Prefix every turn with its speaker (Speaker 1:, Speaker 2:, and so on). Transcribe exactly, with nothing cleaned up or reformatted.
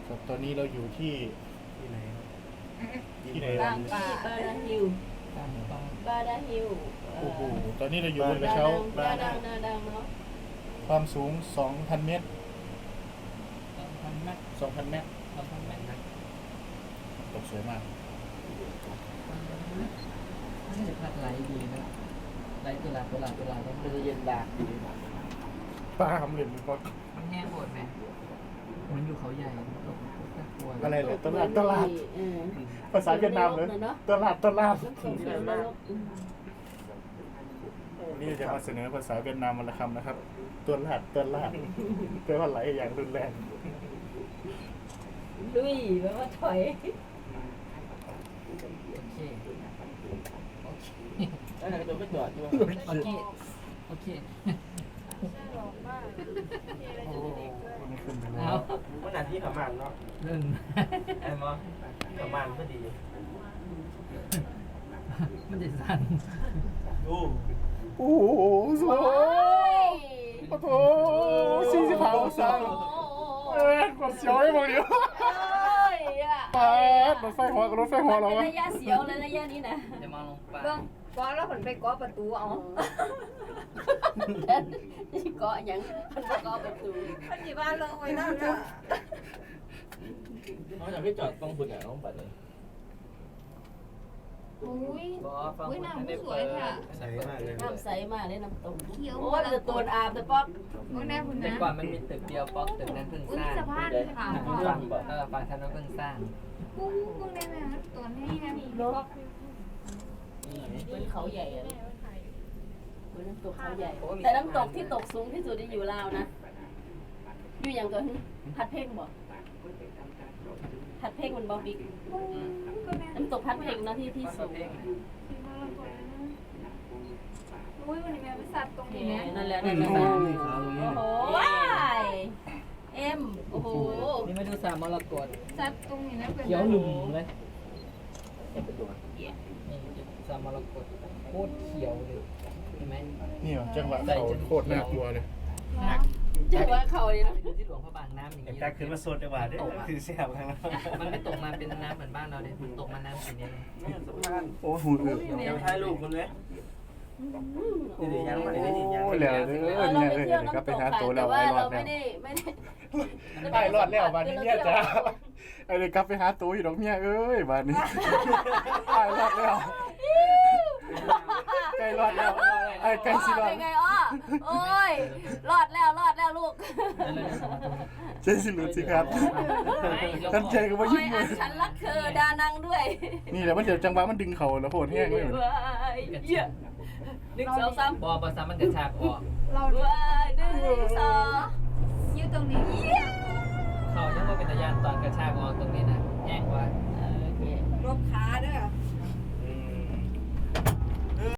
Speaker 1: ครับตอนนี้เราอยู่ที่ที่ไหนครับที่ไหน
Speaker 2: บางป่าบาดาฮิล
Speaker 3: ตามบ้าน
Speaker 2: บาดาฮิล
Speaker 1: โอ้โหตอนนี้เราอยู่บนกระเช้า
Speaker 2: ดาดังดาดังเนาะ
Speaker 1: ความสูง สองพัน เมตร
Speaker 3: สองพันแม็ก
Speaker 1: สองพัน เมตร
Speaker 3: สองพันแม็กนะ
Speaker 1: ตกสวยมาก
Speaker 3: นี่จะพัดไหลดีนะไหลตุลาตุลาตุลาต้อง
Speaker 4: มันจะเย็นดากดี
Speaker 1: ป้าทำเหรียญมีก็
Speaker 3: มันแห้งโหดไหมมันอยู่เขาใหญ่ตกตะกลัว
Speaker 1: อะไรเลยตลาดตลาด
Speaker 2: เออ
Speaker 1: ภาษาเวียดนามเลยตลาดตลาด
Speaker 2: น้ำตกสวนนรก
Speaker 1: วันนี้จะมาเสนอภาษาเวียดนามวันละคำนะครับ ตัวลาดตัวลาดแปลว่าไหลอย่างรุนแรง
Speaker 2: ลุยแปลว่าถอย
Speaker 3: โอเคโอเค
Speaker 4: แล้วไหนตัวไม่จอดใช่ไหม
Speaker 3: โอเคโอเค
Speaker 1: โอ้ไม่ขึ้นไปแล้
Speaker 3: เอา
Speaker 1: ว
Speaker 4: มันหนาที่ขมันเนาะ
Speaker 3: หนึ่ง
Speaker 4: ไอ้มอขมันก็ดี
Speaker 3: มันจะสั่น
Speaker 4: ดู
Speaker 1: โอ้โหสวยโอ้โหสี่สิบห้าองศาเอ้ยกดเสียวให้หมดเดียว
Speaker 2: เอ้ยอ่ะ
Speaker 1: ไปรถไฟหัวกับรถไฟหัวเรา
Speaker 2: เป็น
Speaker 1: วะ
Speaker 2: ระยะเสียวเลยระยะนี้นะ
Speaker 3: จะมาลงปลา
Speaker 5: เบิ่งก้อนแล้วผลไปก้อประตูเอา
Speaker 2: นี่เกาะยังมันเกาะประตู
Speaker 5: พันจีบ้านลงไว้นั่นจ้ะ
Speaker 4: น้องอยากให้จอดตรงคุณเนี่ยน้องปัดเลย
Speaker 5: อุ้ย
Speaker 3: บอฟัง
Speaker 5: อุ้ย
Speaker 3: คน
Speaker 5: น้ำ
Speaker 3: ได้
Speaker 5: ส
Speaker 3: เปิ
Speaker 5: วย
Speaker 3: ด
Speaker 5: ค่ะ
Speaker 4: ใส่มากเลย
Speaker 2: น้ำใสมากเลยน้ำตก
Speaker 5: เขียว
Speaker 2: โอ้ยจะโดนอาบแต่ป๊อก
Speaker 5: โอ้ยแน่คุณ
Speaker 3: แต่
Speaker 5: นะ
Speaker 3: ก่อนมันมีตึกเดียวป๊อกตึกนั้นเพิ่ง
Speaker 5: อุ้ย
Speaker 3: สร้าง
Speaker 5: สะพานค่ะ
Speaker 3: ฝั่งเออฝั่งทางนั้นเพิ่งสร้าง
Speaker 5: กุ้งกุ้งได้ไหมคะตัวนี้นะมี
Speaker 2: เนาะเหมือนเขาใหญ่อะเหมือนน้ำตกเขาใหญ่ แต่น้ำตกที่ตกสูงที่สุดที่อยู่ลาวนะ อยู่อย่างตัวพัดเพ่งบ่พัดเพ่งมันบ่บิ๊ก
Speaker 5: ก็แน่
Speaker 2: น้ำตกพัดเพ่งเนาะที่ที่สูง
Speaker 5: อุ้ยวันนี้แม่ไปสัตว์ตรงนี้นะ
Speaker 2: นั่นแหละนั่นแหละโอ้โหว้ายเอ็มโอ้โห
Speaker 3: นี่มาดูสามมรกต
Speaker 5: สัตว์ตรงนี้นะเป็น
Speaker 3: เขียวหลุ่มเลย
Speaker 4: เป็นตัว
Speaker 3: นี่สามมรกตโคตรเขียวเลยเห็นไหม
Speaker 1: นี่เหรอจังหวะเขาโคตรน่ากลัวเลย
Speaker 2: จังหวะเขาเลยนะ
Speaker 3: ไปดูที่หลวงพระบางน้ำอย่างนี้
Speaker 4: แต่ขึ้นมาสดจังหวะเด้คือแซ่บครั้ง
Speaker 3: มันไม่ตกมาเป็นน้ำเหมือนบ้านเราเลยมันตกมาน้ำสีนี้เลย
Speaker 4: นี่สะพาน
Speaker 1: โอ้หูอึ
Speaker 4: เดี๋ยวถ่ายรูปคุณเลยนี่ยังไม่ได้ยัง
Speaker 1: โอ้แล้วเด้อ
Speaker 2: เรา
Speaker 1: เนี่ย
Speaker 2: ไป
Speaker 1: เออ
Speaker 2: เที่ยว
Speaker 1: ก็
Speaker 2: น้ำ
Speaker 1: ไป
Speaker 2: ตก
Speaker 1: หา
Speaker 2: ค่ะ
Speaker 1: ตัวแล้
Speaker 2: แต่
Speaker 1: ว
Speaker 2: ว่า
Speaker 1: ไอ้รอ
Speaker 2: เรา
Speaker 1: ดแล้
Speaker 2: ไม่
Speaker 1: ว
Speaker 2: ได้ไม่ได้
Speaker 1: ไอ้รอดแล้วบ้านนี้เนี่ยจ้าไอ้เลยกลับไปหาตัวอยู่ดอกเมียเอ้ยบ้านนี้ไอ้รอดแล้วไอ้รอดแล้วไอ้ไก่สิรอด
Speaker 2: เป็นไงอ้อโอ้ยรอดแล้วรอดแล้วลูก
Speaker 1: ใจสิหลุดสิครับท่านใจก็ว่า
Speaker 2: โอ้
Speaker 1: ยิ้
Speaker 2: ย
Speaker 1: ม
Speaker 2: อันฉันรักเธอดานังด้วย
Speaker 1: นี่แหละมันเดี๋ยวจังหวะมันดึงเขาแล้วโหดแห้งเลย
Speaker 2: ว้ายเยี่ยหนึ่งสองสาม
Speaker 3: บอบอซ้ำมันกระชากออก
Speaker 5: เรา
Speaker 2: ว้ายหนึ่งสอง
Speaker 5: ยืดตรงนี้
Speaker 3: เขายังว่าเป็นตะยานตอนกระชากออกตรงนี้นะแห้งกว่า
Speaker 2: โอเค
Speaker 5: รบขาด้วย